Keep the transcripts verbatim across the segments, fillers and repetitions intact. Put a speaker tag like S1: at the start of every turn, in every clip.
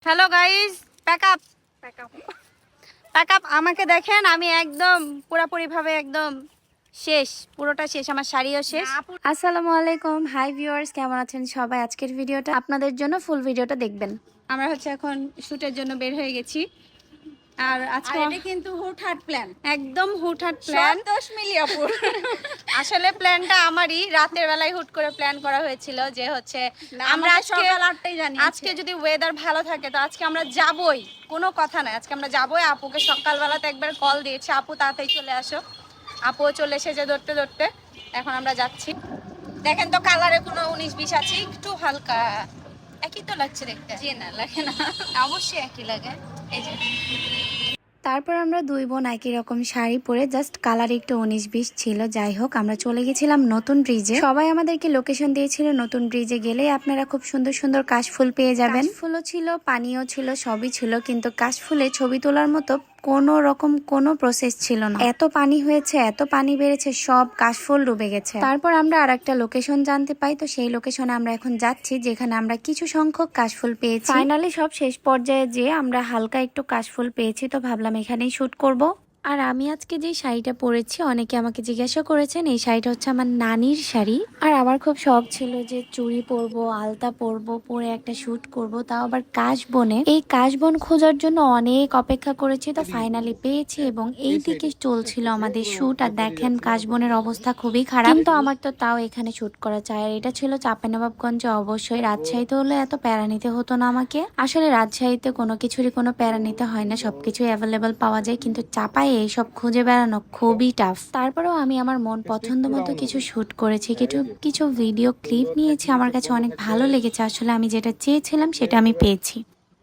S1: Hello guys, pack up pack up pack up আমাকে দেখেন, আমি একদম পুরোপুরি ভাবে একদম শেষ, পুরোটা শেষ, আমার শাড়িও শেষ। আসসালামু আলাইকুম, হাই ভিউয়ার্স, কেমন আছেন সবাই? আজকের ভিডিওটা আপনাদের জন্য, ফুল ভিডিওটা দেখবেন। আমরা হচ্ছে এখন শুটের জন্য বের হয়ে গেছি, আর আজকে
S2: এটা কিন্তু হুটহাট প্ল্যান,
S1: একদম হুটহাট প্ল্যান।
S2: দশ মিলি আপুর
S1: আসলে প্ল্যানটা আমারই, রাতের বেলায় হুট করে প্ল্যান করা হয়েছিল যে হচ্ছে আমরা আজকে
S2: সকাল আটটায় জানি
S1: আজকে যদি ওয়েদার ভালো থাকে তো আজকে আমরা যাবই, কোনো কথা নাই, আজকে আমরা যাবই। আপুকে সকালবেলাতে একবার কল দিয়েছি, আপু তাড়াতাড়ি চলে আসো। আপুও চলে এসেছে ধরতে ধরতে, এখন আমরা যাচ্ছি। দেখেন তো কালারে কোনো উনিশ বিশ আছে, একটু হালকা একই তো লাগছে দেখতে।
S2: জি না লাগে না,
S1: অবশ্যই একই লাগে। এই যে
S3: তারপর আমরা দুই বোন একই রকম শাড়ি পরে, জাস্ট কালার একটু উনিশ বিশ ছিল। যাই হোক, আমরা চলে গেছিলাম নতুন ব্রিজে। সবাই আমাদেরকে লোকেশন দিয়েছিল, নতুন ব্রিজে গেলেই আপনারা খুব সুন্দর সুন্দর কাশফুল পেয়ে যাবেন। ফুলও ছিল, পানিও ছিল, সবই ছিল, কিন্তু কাশফুলে ছবি তোলার মতো কোনো রকম কোনো প্রসেস ছিল না। এত পানি হয়েছে, এত পানি বেড়েছে, সব কাশফুল ডুবে গেছে। তারপর আমরা আর একটা লোকেশন জানতে পাই, তো সেই লোকেশনে আমরা এখন যাচ্ছি, যেখানে আমরা কিছু সংখ্যক কাশফুল পেয়েছি। ফাইনালি সব শেষ পর্যায়ে যে আমরা হালকা একটু কাশফুল পেয়েছি, তো ভাবলাম এখানেই শুট করব। আর আমি আজকে যে শাড়িটা পরেছি, অনেকে আমাকে জিজ্ঞাসা করেছেন, এই শাড়িটা হচ্ছে আমার নানির শাড়ি। আর আমার খুব শখ ছিল যে চুড়ি পরবো, আলতা পরবো, পরে একটা শুট করব, তাও আবার কাশবনে। এই কাশবন খোঁজার জন্য অনেক অপেক্ষা করেছি, তো ফাইনালি পেয়েছি। এবং এই দিকে চলছিল আমাদের শুট, আর দেখেন কাশবনের অবস্থা খুবই খারাপ, কিন্তু আমার তো তাও এখানে শুট করা চাই। আর এটা ছিল চাঁপাইনবাবগঞ্জে, অবশ্যই রাজশাহীতে হলে এত প্যারা নিতে হতো না আমাকে। আসলে রাজশাহীতে কোনো কিছুরই কোনো প্যারা নিতে হয় না, সবকিছু অ্যাভেলেবেল পাওয়া যায়, কিন্তু চাপাই এইসব খুঁজে বেড়ানো খুবই টাফ। তারপরেও আমি আমার মন পছন্দ মতো কিছু শুট করেছি, কিছু কিছু ভিডিও ক্লিপ নিয়েছি, আমার কাছে অনেক ভালো লেগেছে। আসলে আমি যেটা চেয়েছিলাম সেটা আমি পেয়েছি।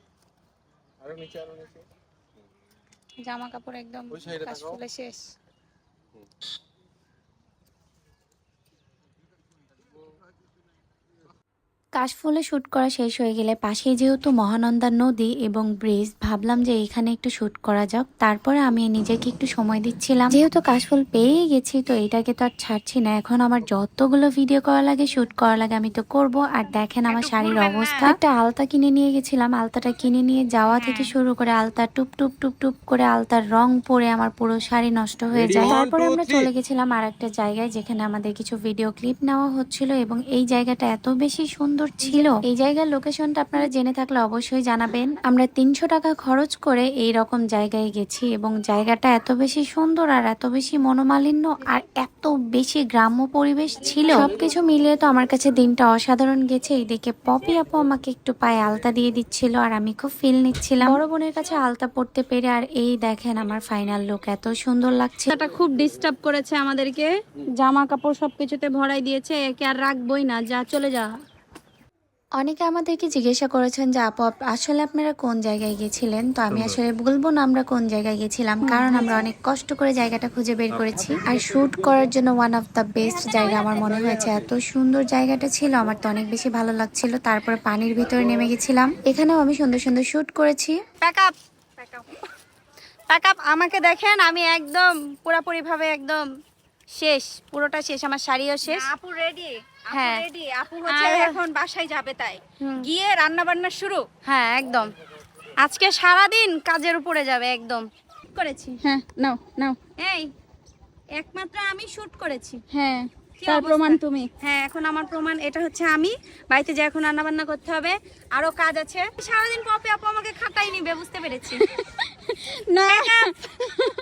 S1: জামা কাপড় একদম কাশফুলে শেষ।
S3: কাশফুলে শুট করা শেষ হয়ে গেলে পাশেই যেহেতু মহানন্দা নদী এবং ব্রিজ, ভাবলাম যে এখানে একটু শুট করা যাক। তারপরে আমি নিজেকে একটু সময় দিচ্ছিলাম, যেহেতু কাশফুল পেয়ে গেছি, তো এটাকে তো আর ছাড়ছি না। এখন আমার যতগুলো ভিডিও করা লাগে, শুট করা লাগে, আমি তো করব। আর দেখেন আমার শাড়ির অবস্থা। একটা আলতা কিনে নিয়ে গেছিলাম, আলতাটা কিনে নিয়ে যাওয়া থেকে শুরু করে আলতা টুপ টুপ টুপ টুপ করে আলতার রং পরে আমার পুরো শাড়ি নষ্ট হয়ে যায়। তারপরে আমরা চলে গেছিলাম আর একটা জায়গায়, যেখানে আমাদের কিছু ভিডিও ক্লিপ নেওয়া হচ্ছিল, এবং এই জায়গাটা এত বেশি সুন্দর ছিল। এই জায়গার লোকেশনটা আপনারা জেনে থাকলে অবশ্যই জানাবেন। আমরা তিনশো টাকা খরচ করে এই রকম জায়গায় গেছি, এবং জায়গাটা এত বেশি সুন্দর আর এত বেশি মনোমালিন্য আর এত বেশি গ্রাম্য পরিবেশ ছিল। সবকিছু মিলিয়ে তো আমার কাছে দিনটা অসাধারণ গেছে। এইদিকে পপি আপু আমাকে একটু পায়ে আলতা দিয়ে দিচ্ছিল, আর আমি খুব ফিল নিচ্ছিলাম বড় বোনের কাছে আলতা পড়তে পেরে। আর এই দেখেন আমার ফাইনাল লুক, এত সুন্দর লাগছে।
S1: এটা খুব ডিস্টার্ব করেছে আমাদেরকে, জামা কাপড় সবকিছুতে ভরাই দিয়েছে, একে আর রাখবই না, যা চলে যা।
S3: অনেকে আমাদেরকে জিজ্ঞাসা করেছেন যে আপু আসলে আপনারা কোন জায়গায় গেছিলেন, তো আমি আসলে বলবো না আমরা কোন জায়গায় গেছিলাম, কারণ আমরা অনেক কষ্ট করে জায়গাটা খুঁজে বের করেছি। আর শুট করার জন্য ওয়ান অফ দ্য বেস্ট জায়গা আমার মনে হয়েছে। এত সুন্দর জায়গাটা ছিল, আমার তো অনেক বেশি ভালো লাগছিল। তারপরে পানির ভিতরে নেমে গেছিলাম, এখানেও আমি সুন্দর সুন্দর শুট করেছি।
S1: Pack up pack up pack up আমাকে দেখেন, আমি একদম পুরোপুরি ভাবে একদম শেষ, পুরোটা শেষ, আমার শাড়িও শেষ।
S2: আপু রেডি, আপু
S1: হ্যাঁ।
S2: রেডি, আপু হচ্ছে এখন বাসায় যাবে, তাই গিয়ে রান্না বান্না শুরু।
S1: হ্যাঁ একদম, আজকে সারাদিন কাজের উপরে যাবে একদম। করেছি,
S2: হ্যাঁ, নাও নাও,
S1: এই একমাত্র আমি শুট করেছি।
S2: হ্যাঁ
S1: কি
S2: তার
S1: অবস্থা?
S2: প্রমাণ তুমি।
S1: হ্যাঁ, এখন আমার প্রমাণ, এটা হচ্ছে আমি বাড়িতে যে এখন রান্না বান্না করতে হবে, আরো কাজ আছে। সারাদিন পপি আপু আমাকে খাটাই নিবে, বুঝতে পেরেছি।
S2: না